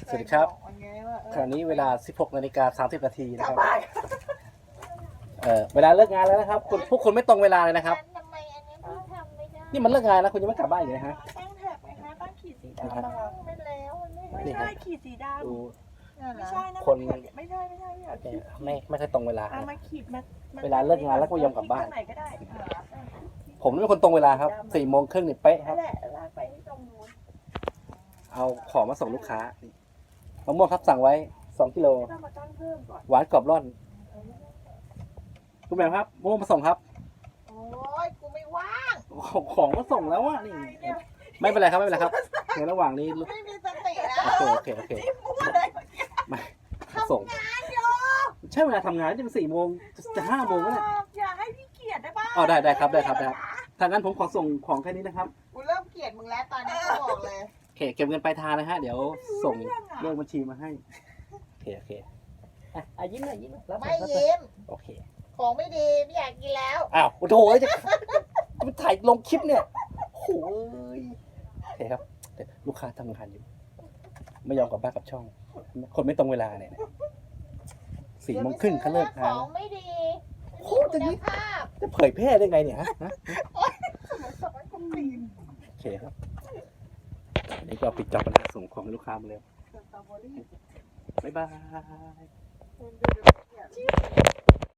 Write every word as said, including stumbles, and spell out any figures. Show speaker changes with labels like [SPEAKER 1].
[SPEAKER 1] สวัสดีครับขณะนี้เวลา สิบหกนาฬิกาสามสิบนาทีนะครับเออเวลาเลิกงานแล้วนะครับคุณพวกคุณไม่ตรงเวลาเลยนะครับ
[SPEAKER 2] ทำไมอันนี้พี่ทำไม่ได้
[SPEAKER 1] นี่มันเลิกงานแล้วคุณยังไม่กลับบ้านอยู่นะฮะ
[SPEAKER 3] ตั้งแท็กไหมคะตั้งขีดสีดำ
[SPEAKER 2] ตั้
[SPEAKER 3] อะ
[SPEAKER 2] งไปแล้วมันไม่
[SPEAKER 3] ไม่
[SPEAKER 1] นี่ครั
[SPEAKER 3] ใช่
[SPEAKER 1] บ
[SPEAKER 3] ขีดสีด
[SPEAKER 1] ดู
[SPEAKER 3] ำไม่ใช่นะ
[SPEAKER 1] คน
[SPEAKER 3] ไม่ใช่ไม่ใช่ไม่ใช่
[SPEAKER 1] เนี่ยไม่ไม่ค่อยตรงเวลา
[SPEAKER 3] เอามาขีดมา
[SPEAKER 1] เวลาเลิกงานแล้วก็ไม่ยอมกลับบ้าน
[SPEAKER 3] ตรงไหนก็ได้
[SPEAKER 1] ผมเป็นคนตรงเวลาครับสี่โมงครึ่งนี่เป๊ะค
[SPEAKER 3] นั่
[SPEAKER 1] รับ
[SPEAKER 3] นแหละลากไปที่ตรงนู้น
[SPEAKER 1] เอาของมาส่งลูกค้านี่มะม่วงครับสั่งไว้สองกิโล
[SPEAKER 3] ไม่ต้องมาตั้งเพิ่มก่อน
[SPEAKER 1] หวานกรอบร่อนคุณแม่ครับมะม่วงมาส่งครับ
[SPEAKER 2] โอ้ยกูไม่ว่าง
[SPEAKER 1] ของของมาส่งแล้วอ่ะนี่ไม่เป็นไรครับไม่เป็นไรครับในระหว่างนี้
[SPEAKER 2] ไม่มีสติแล้ว
[SPEAKER 1] โอเคโอเคโอเค
[SPEAKER 3] พูดอะไร
[SPEAKER 1] ไม่ส่ง
[SPEAKER 2] งานอยู่
[SPEAKER 1] ใช่เวลาทำงานจะเป็นสี่โมงจะห้าโมงแล้วเนี่ย
[SPEAKER 3] อย่าให้พี่เกียรติได้ป่ะ
[SPEAKER 1] อ๋อได้ได้ครับได้ครับได้ครับถ้างั้นผมขอส่งของแค่นี้นะครับ
[SPEAKER 2] กูเริ่มเกลียดมึงแล้วตอนนี้กูบอกเลย
[SPEAKER 1] โอเคเก็บเงินปลายทางนะฮะเดี๋ยวส่งเลขบัญชีมาให้โอเคโอเคอ่ะอ่ะยิ้มหน่อยยิ้มหน่อยรับหน่
[SPEAKER 2] ไม่
[SPEAKER 1] อยรับหน่อย
[SPEAKER 2] ยิ้ม
[SPEAKER 1] โอเค
[SPEAKER 2] ของไม่ดีไม่อยากกินแล้ว
[SPEAKER 1] อ้าวโอ้โหจะจะถ่ายลงคลิปเนี่ยโอ้ยโอเคครับเดี๋ยวลูกค้าทำงานอยู่ ไม่ยอมกลับบ้านกับช่อง คนไม่ตรงเวลาเนี่ยสี่โมงครึ่งเขาเลิก
[SPEAKER 2] ข
[SPEAKER 1] งาน
[SPEAKER 2] องไม่ดี
[SPEAKER 1] โอ้จะ
[SPEAKER 2] จะ
[SPEAKER 1] นี่
[SPEAKER 2] มีคุณภาพ
[SPEAKER 1] จะเผยแพร่ได้ไงเนี่ยฮะฮะโอเคครับอันนี้ก็ปิดจอบปัญหาส่งของให้ลูกค้ามาเลย
[SPEAKER 3] สตรอเบอรี่
[SPEAKER 1] บ๊ายบาย
[SPEAKER 3] คุณดูดูเนี่ย